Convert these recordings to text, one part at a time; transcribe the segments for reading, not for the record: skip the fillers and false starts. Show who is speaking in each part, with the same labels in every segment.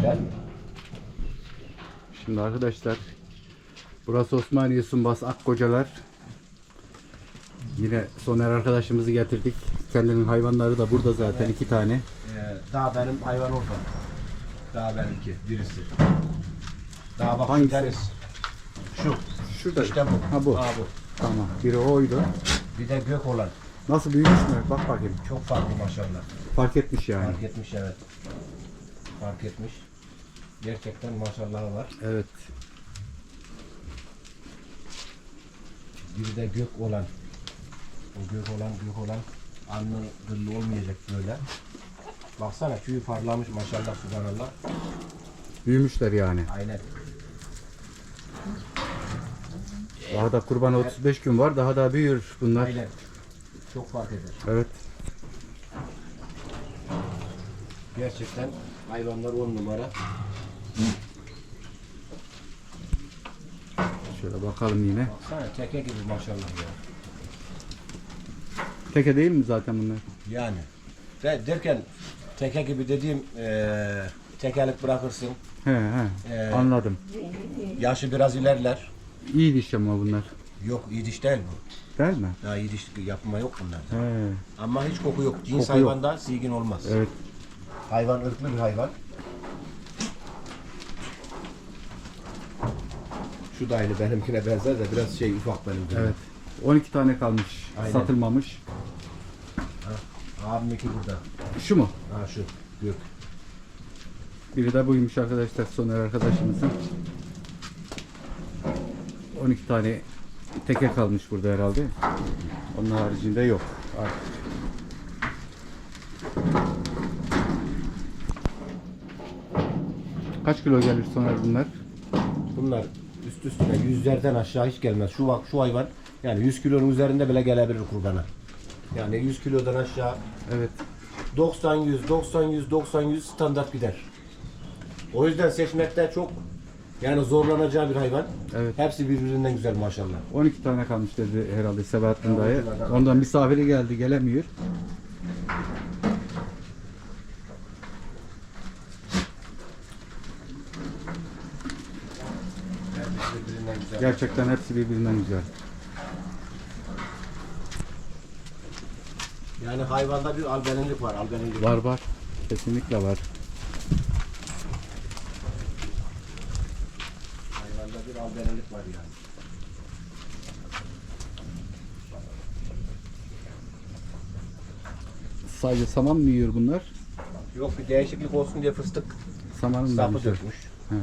Speaker 1: Değil mi?
Speaker 2: Şimdi arkadaşlar, burası Osmaniye Sumbas Akkocalar. Yine Soner arkadaşımızı getirdik. Kendinin hayvanları da burada zaten, iki tane.
Speaker 1: Daha benim hayvan orada. Daha benimki birisi. Daha bak
Speaker 2: Hangisi?
Speaker 1: deniz. Şu.
Speaker 2: Şurada.
Speaker 1: İşte bu.
Speaker 2: Ha bu.
Speaker 1: Ha, bu.
Speaker 2: Tamam. Biri oydu.
Speaker 1: Bir de gök olan.
Speaker 2: Nasıl büyümüş mü? Bak bakayım.
Speaker 1: Çok farklı maşallah.
Speaker 2: Fark etmiş yani.
Speaker 1: Fark etmiş, evet. Fark etmiş. Gerçekten maşallahı var.
Speaker 2: Evet.
Speaker 1: Bir de gök olan. O gök olan anlı gırlı olmayacak böyle. Baksana tüyü parlamış maşallah, subhanallah.
Speaker 2: Büyümüşler yani.
Speaker 1: Aynen.
Speaker 2: Daha da kurbana 35 gün var. Daha da büyür bunlar.
Speaker 1: Aynen. Çok fark eder.
Speaker 2: Evet.
Speaker 1: Gerçekten hayvanlar 10 numara.
Speaker 2: Şöyle bakalım yine.
Speaker 1: Baksana teke gibi maşallah ya.
Speaker 2: Teke değil mi zaten bunlar?
Speaker 1: Yani. Derken teke gibi dediğim tekerlek bırakırsın.
Speaker 2: He anladım.
Speaker 1: Yaşı biraz ilerler.
Speaker 2: İyi diş ama bunlar.
Speaker 1: Yok iyi diş değil bu.
Speaker 2: Değil mi?
Speaker 1: Daha iyi diş yapma yok bunlarda.
Speaker 2: He.
Speaker 1: Ama hiç koku yok. Cins
Speaker 2: Koku yok.
Speaker 1: hayvanda silgin olmaz.
Speaker 2: Evet.
Speaker 1: Hayvan ırklı bir hayvan. Şu da aynı benimkine benzer de biraz şey ufak benimkine.
Speaker 2: Evet. 12 tane kalmış.
Speaker 1: Aynen.
Speaker 2: Satılmamış.
Speaker 1: Abiminki burada.
Speaker 2: Şu mu?
Speaker 1: Ha şu gök.
Speaker 2: Biri de buymuş arkadaşlar, Soner arkadaşımızın. 12 tane teke kalmış burada herhalde. Onun haricinde yok artık. Kaç kilo gelir Soner bunlar?
Speaker 1: Bunlar üst üstüne yüzlerden aşağı hiç gelmez. Şu bak şu hayvan yani 100 kilonun üzerinde bile gelebilir kurbana. Yani 100 kilodan aşağı
Speaker 2: Evet.
Speaker 1: 90-100 standart gider. O yüzden seçmekte çok yani zorlanacağı bir hayvan.
Speaker 2: Evet.
Speaker 1: Hepsi birbirinden güzel maşallah.
Speaker 2: 12 tane kalmış dedi herhalde Sebahattin
Speaker 1: Ya,
Speaker 2: dayı.
Speaker 1: 12 tane.
Speaker 2: Ondan misafiri geldi, gelemiyor.
Speaker 1: Hepsi birbirinden güzel.
Speaker 2: Gerçekten hepsi birbirinden güzel.
Speaker 1: Yani hayvanda bir albenililik var. Albenililik.
Speaker 2: Var var. Kesinlikle var.
Speaker 1: Hayvanda bir albenililik var yani.
Speaker 2: Sadece saman mı yiyor bunlar?
Speaker 1: Yok bir değişiklik olsun diye fıstık
Speaker 2: Samanın
Speaker 1: sapı
Speaker 2: vermişler.
Speaker 1: dökmüş.
Speaker 2: He.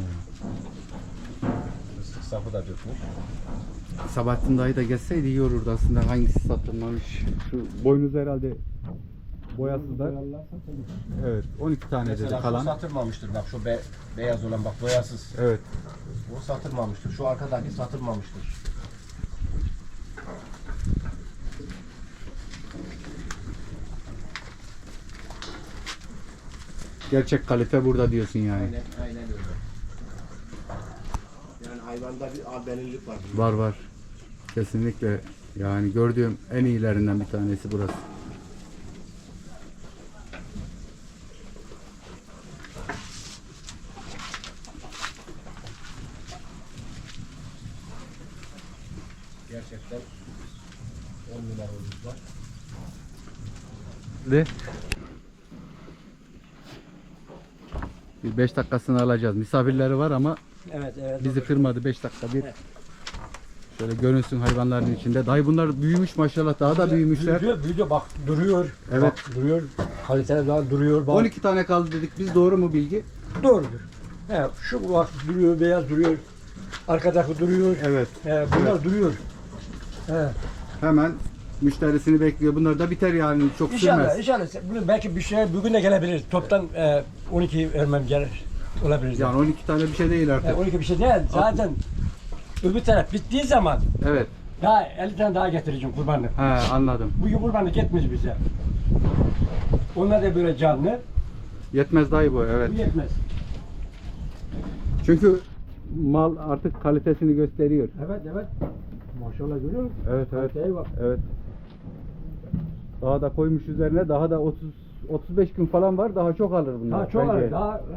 Speaker 1: Fıstık sapı da dökmüş.
Speaker 2: Sabahattin dayı da gelseydi iyi olurdu aslında. Hangisi satılmamış? Şu boynuz herhalde boyasızlar. Evet. 12 tane dedi
Speaker 1: Mesela
Speaker 2: kalan.
Speaker 1: şu satılmamıştır bak şu beyaz olan bak boyasız.
Speaker 2: Evet.
Speaker 1: O satılmamıştır. Şu arkadaki satılmamıştır.
Speaker 2: Gerçek kalite burada diyorsun yani.
Speaker 1: Aynen öyle. Yani hayvanda bir albenililik var.
Speaker 2: Var var. Kesinlikle. Yani gördüğüm en iyilerinden bir tanesi burası.
Speaker 1: Gerçekten 10 numara var.
Speaker 2: De. Bir 5 dakikasını alacağız. Misafirleri var ama
Speaker 3: Evet.
Speaker 2: bizi kırmadı. 5 dakika bir. Şöyle görünsün hayvanların içinde. Dayı bunlar büyümüş maşallah. Daha da büyümüşler.
Speaker 3: Büyüdü bak duruyor.
Speaker 2: Evet.
Speaker 3: Bak, duruyor. Kaliteli daha duruyor. Bak.
Speaker 2: 12 tane kaldı dedik. Biz doğru mu bilgi?
Speaker 3: Doğrudur. He, şu bak duruyor, beyaz duruyor. Arkadaki duruyor.
Speaker 2: Evet.
Speaker 3: Bunlar duruyor. He.
Speaker 2: Hemen müşterisini bekliyor. Bunlar da biter yani. Çok
Speaker 3: İnşallah,
Speaker 2: sürmez.
Speaker 3: inşallah. Bunu belki bir şey bugün de gelebilir. Toptan 12 vermem gelir. Olabilir.
Speaker 2: Yani 12 tane bir şey değil artık.
Speaker 3: 12 bir şey değil. Zaten öbür taraf bittiği zaman
Speaker 2: Evet.
Speaker 3: daha 50 tane daha getireceğim kurbanlık.
Speaker 2: He anladım.
Speaker 3: Bugün kurbanlık yetmez bize. Onlar da böyle canlı.
Speaker 2: Yetmez dayı bu. Evet.
Speaker 3: Bu yetmez.
Speaker 2: Çünkü mal artık kalitesini gösteriyor.
Speaker 3: Evet. Maşallah görüyor musun?
Speaker 2: Evet evet.
Speaker 3: Kaliteye bak.
Speaker 2: Evet. Daha da koymuş üzerine, daha da 35 gün falan var, daha çok alır bunlar.
Speaker 3: Daha çok
Speaker 2: bence.
Speaker 3: alır. Daha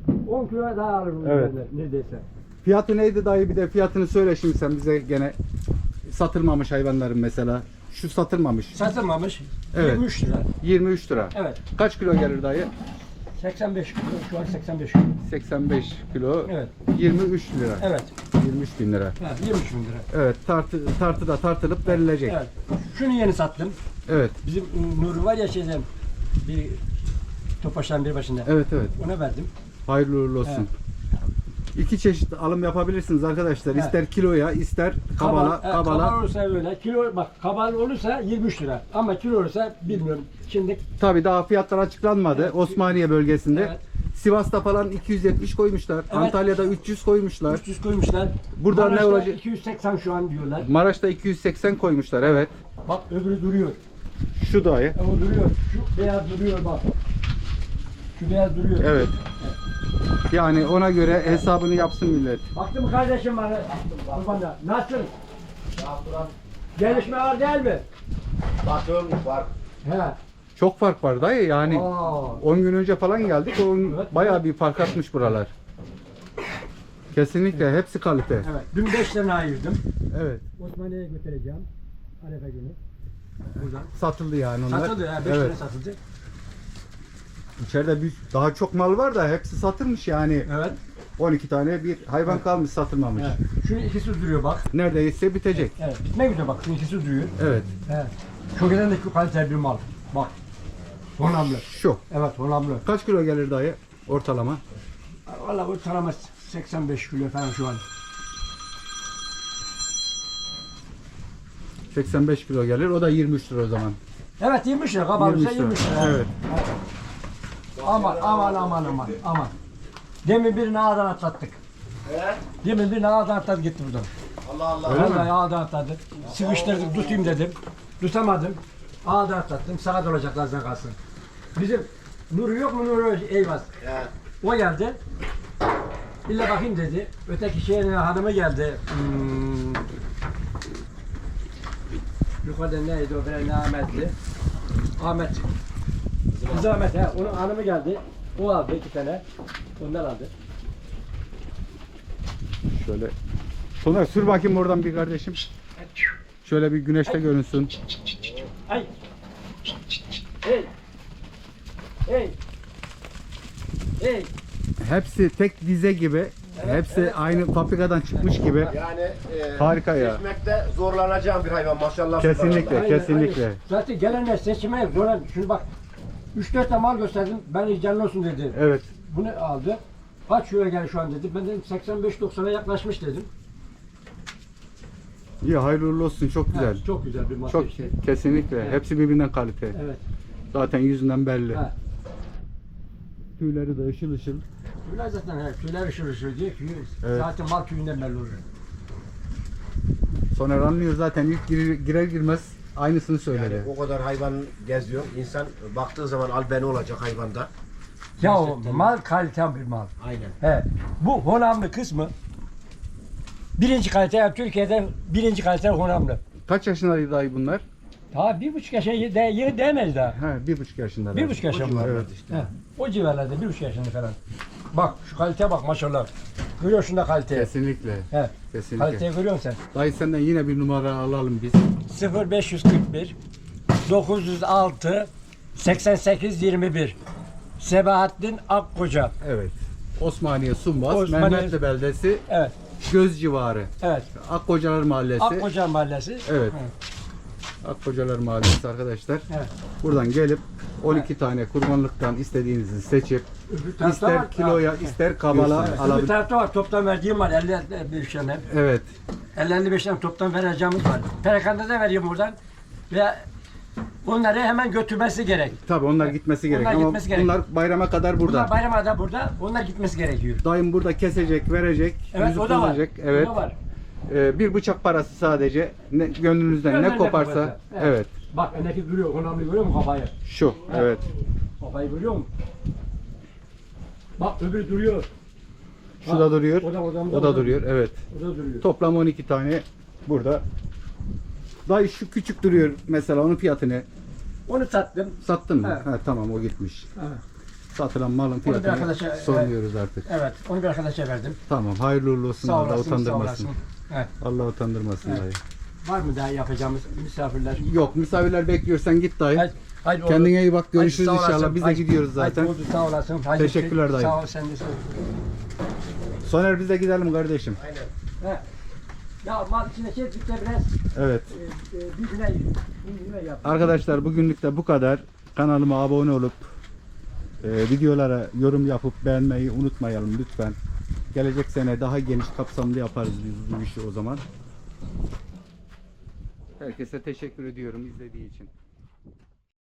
Speaker 3: 10 kilo daha alırım
Speaker 2: Evet.
Speaker 3: neredeyse.
Speaker 2: Fiyatı neydi dayı, bir de fiyatını söyle şimdi sen bize gene. Satılmamış hayvanların mesela. Şu satılmamış.
Speaker 3: Satılmamış.
Speaker 2: Evet.
Speaker 3: 23 lira.
Speaker 2: 23 lira.
Speaker 3: Evet.
Speaker 2: Kaç kilo gelir dayı?
Speaker 3: 85 kilo. Şu an 85 kilo.
Speaker 2: 85 kilo.
Speaker 3: Evet.
Speaker 2: 23 lira.
Speaker 3: Evet.
Speaker 2: 23 bin lira.
Speaker 3: Ha, 23 bin lira.
Speaker 2: Evet, tartıda tartılıp verilecek.
Speaker 3: Evet. Şunu yeni sattım.
Speaker 2: Evet.
Speaker 3: Bizim Nuri var ya şeyden bir Topaş'tan bir başında.
Speaker 2: Evet, evet.
Speaker 3: Ona verdim.
Speaker 2: Hayırlı uğurlu olsun. İki çeşit alım yapabilirsiniz arkadaşlar.
Speaker 3: Evet.
Speaker 2: İster kiloya, ister kabala.
Speaker 3: Kabal olursa öyle. Kilo bak kabal olursa 23 lira. Ama kilo olursa bilmiyorum. Şimdi
Speaker 2: Tabii daha fiyatlar açıklanmadı.
Speaker 3: Evet.
Speaker 2: Osmaniye bölgesinde.
Speaker 3: Evet.
Speaker 2: Sivas'ta falan 270 koymuşlar.
Speaker 3: Evet.
Speaker 2: Antalya'da 300 koymuşlar.
Speaker 3: 300 koymuşlar.
Speaker 2: Burada ne
Speaker 3: Maraş'ta
Speaker 2: olacak?
Speaker 3: 280 şu an diyorlar.
Speaker 2: Maraş'ta 280 koymuşlar, evet.
Speaker 3: Bak öbürü duruyor.
Speaker 2: Şu dahi.
Speaker 3: O duruyor. Şu beyaz duruyor bak. Şu beyaz duruyor.
Speaker 2: Evet. Yani ona göre hesabını yapsın millet.
Speaker 3: Baktın mı kardeşim bana? Kurbanda. Nasıl? Gelişme var değil mi?
Speaker 1: Bakıyorum var.
Speaker 3: He.
Speaker 2: Çok fark var dayı yani.
Speaker 3: Aa.
Speaker 2: 10 gün önce falan geldik.
Speaker 3: Evet.
Speaker 2: Bayağı bir fark atmış buralar. Kesinlikle hepsi kalite.
Speaker 3: Evet. Dün 5 tane ayırdım.
Speaker 2: Evet.
Speaker 3: Osmaniye'ye götüreceğim. Arefe günü. Buradan.
Speaker 2: Satıldı yani onlar.
Speaker 3: Satıldı ya. 5
Speaker 2: Evet.
Speaker 3: tane satıldı.
Speaker 2: İçeride daha çok mal var da hepsi satılmış yani.
Speaker 3: Evet.
Speaker 2: 12 tane bir hayvan kalmış satılmamış.
Speaker 3: Evet. Şunun ikisi duruyor bak.
Speaker 2: Neredeyse bitecek.
Speaker 3: Evet. Bitmek üzere bak. Şunun ikisi duruyor.
Speaker 2: Evet.
Speaker 3: Evet. Şu gelendeki kaliteli bir mal. Bak. Honamlı.
Speaker 2: Şu.
Speaker 3: Evet honamlı.
Speaker 2: Kaç kilo gelir dayı ortalama?
Speaker 3: Valla ortalama 85 kilo falan şu an.
Speaker 2: 85 kilo gelir. O da 23 lira o zaman.
Speaker 3: Evet 20 lira kabarırsa 20 lira.
Speaker 2: Evet.
Speaker 3: Aman. Demin birini ağdan atlattık.
Speaker 1: Evet.
Speaker 3: Demin birini ağdan atladı gitti buradan.
Speaker 1: Allah Allah.
Speaker 2: Öyle mi?
Speaker 3: Vallahi ağdan atladı. Sıvıştırdık tutayım dedim. Tutamadım. Ağdan atlattım. Sağa dolacaklar zaten kalsın. Bizim Nuri yok mu Nuri Eyvaz?
Speaker 1: Ya.
Speaker 3: O geldi. İlla bakayım dedi. Öteki şehrin hanımı geldi. Yukarıda neydi o falan ne Ahmet'ti. Ahmet. Kız Ahmet he. Onun hanımı geldi. O aldı 2 tane. Ondan aldı.
Speaker 2: Şöyle. Soner sür bakayım oradan bir kardeşim. Şöyle bir güneşte görünsün.
Speaker 3: Ay. Hey. Hey. Hey.
Speaker 2: Hepsi tek dize gibi. Hepsi aynı fabrikadan çıkmış gibi.
Speaker 1: Yani
Speaker 2: Harika ya.
Speaker 1: seçmekte zorlanacağım bir hayvan maşallah.
Speaker 2: Kesinlikle.
Speaker 3: Aynen,
Speaker 2: kesinlikle.
Speaker 3: aynen. Zaten gelenler seçime zoran. Şunu bak. 3-4 tane mal gösterdim. Ben canlı olsun dedi.
Speaker 2: Evet.
Speaker 3: Bunu aldı. Kaç euro geldi şu an dedi. Ben dedim 85-90'a yaklaşmış dedim.
Speaker 2: İyi, hayırlı uğurlu olsun. Çok güzel.
Speaker 3: Ha, çok güzel bir masa
Speaker 2: Çok
Speaker 3: işte.
Speaker 2: kesinlikle.
Speaker 3: Evet.
Speaker 2: Hepsi birbirinden kalite.
Speaker 3: Evet.
Speaker 2: Zaten yüzünden belli.
Speaker 3: Ha.
Speaker 2: Tüyleri de ışıl ışıl.
Speaker 3: Tüyler zaten tüyler ışır diyor ki
Speaker 2: Evet.
Speaker 3: zaten mal tüyünden belli olur.
Speaker 2: Soner anlıyor zaten ilk girer girmez aynısını söyledi.
Speaker 1: Yani o kadar hayvan geziyor. İnsan baktığı zaman albeni olacak hayvanda.
Speaker 3: Ya o
Speaker 1: Gerçekten.
Speaker 3: mal kalite bir mal.
Speaker 1: Aynen.
Speaker 3: He. Bu honamlı kısmı birinci kalite yani Türkiye'de birinci kalite honamlı.
Speaker 2: Kaç yaşındaydı dayı bunlar?
Speaker 3: Daha 1,5 yaşa yeni değmez daha.
Speaker 2: He, 1,5 yaşında.
Speaker 3: 1,5 yaşa mı?
Speaker 2: Evet.
Speaker 3: He. O civarlarda 1,5 yaşında falan. Bak şu kaliteye bak maşallah. Görüyorsun da kaliteyi.
Speaker 2: Kesinlikle.
Speaker 3: He.
Speaker 2: Kesinlikle.
Speaker 3: Kaliteyi görüyor musun
Speaker 2: Dayı senden yine bir numara alalım biz.
Speaker 3: sen? 0541 906 88 21 Sebahattin Akkoca.
Speaker 2: Evet. Osmaniye Sumbas,
Speaker 3: Osmaniye-
Speaker 2: Mehmetli beldesi,
Speaker 3: Evet.
Speaker 2: Göz civarı.
Speaker 3: Evet.
Speaker 2: Akkocalar Mahallesi.
Speaker 3: Akkoca Mahallesi.
Speaker 2: Evet.
Speaker 3: Hı.
Speaker 2: Akkocalar Mahallesi arkadaşlar.
Speaker 3: Evet.
Speaker 2: Buradan gelip 12 tane kurbanlıktan istediğinizi seçip
Speaker 3: Öbür tarafta
Speaker 2: ister
Speaker 3: var.
Speaker 2: kiloya
Speaker 3: Evet.
Speaker 2: ister kabala
Speaker 3: Evet. Öbür
Speaker 2: alabilir.
Speaker 3: tarafta var. Toptan verdiğim var. 55 tane.
Speaker 2: Evet.
Speaker 3: 55 tane toptan vereceğimiz var. Perakanda da vereyim buradan. Ve onları hemen götürmesi gerek.
Speaker 2: Tabii onlar gitmesi gerek
Speaker 3: Onlar
Speaker 2: ama
Speaker 3: gitmesi gerek.
Speaker 2: bunlar bayrama kadar burada.
Speaker 3: Bunlar bayrama da burada. Onlar gitmesi gerekiyor.
Speaker 2: Dayım burada kesecek, verecek,
Speaker 3: Evet
Speaker 2: yüzü
Speaker 3: o da var.
Speaker 2: kızacak.
Speaker 3: O
Speaker 2: Evet.
Speaker 3: da var.
Speaker 2: Bir bıçak parası sadece. Gönlünüzden
Speaker 3: Gönlünde
Speaker 2: ne koparsa.
Speaker 3: koparsa.
Speaker 2: Evet.
Speaker 3: Bak öndeki duruyor. Önemli görüyor musun kafayı?
Speaker 2: Şu. Evet.
Speaker 3: Kafayı görüyor musun? Bak öbürü duruyor.
Speaker 2: Şu
Speaker 3: Bak,
Speaker 2: da duruyor.
Speaker 3: o
Speaker 2: da duruyor. Evet.
Speaker 3: O da duruyor.
Speaker 2: Toplam 12 tane burada. Dayı şu küçük duruyor mesela, onun fiyatı ne?
Speaker 3: Onu sattım.
Speaker 2: Sattın mı?
Speaker 3: Evet.
Speaker 2: Ha, tamam, o gitmiş.
Speaker 3: Evet.
Speaker 2: satılan malın
Speaker 3: bir
Speaker 2: fiyatını
Speaker 3: arkadaşa,
Speaker 2: sormuyoruz artık.
Speaker 3: Evet, onu bir arkadaşa verdim.
Speaker 2: Tamam, hayırlı uğurlu olsun.
Speaker 3: Sağ
Speaker 2: Allah
Speaker 3: olasın, sağ
Speaker 2: utandırmasın.
Speaker 3: olasın. Evet.
Speaker 2: Allah utandırmasın
Speaker 3: Evet.
Speaker 2: dayı.
Speaker 3: Var mı daha yapacağımız misafirler?
Speaker 2: Yok, misafirler bekliyorsan git dayı.
Speaker 3: Haydi oldu.
Speaker 2: Kendine iyi bak, görüşürüz
Speaker 3: Haydi, sağ
Speaker 2: inşallah.
Speaker 3: olasın.
Speaker 2: Biz de
Speaker 3: Haydi,
Speaker 2: gidiyoruz zaten.
Speaker 3: Haydi oldu, sağ olasın. Haydi,
Speaker 2: Teşekkürler dayı.
Speaker 3: Sağ ol, sen de sağ ol.
Speaker 2: Soner biz de gidelim kardeşim.
Speaker 3: Aynen. He. Ya mal içine çektik de biraz
Speaker 2: Evet.
Speaker 3: birbirine yap.
Speaker 2: Arkadaşlar bugünlük de bu kadar. Kanalıma abone olup videolara yorum yapıp beğenmeyi unutmayalım lütfen. Gelecek sene daha geniş kapsamlı yaparız biz bu işi o zaman. Herkese teşekkür ediyorum izlediği için.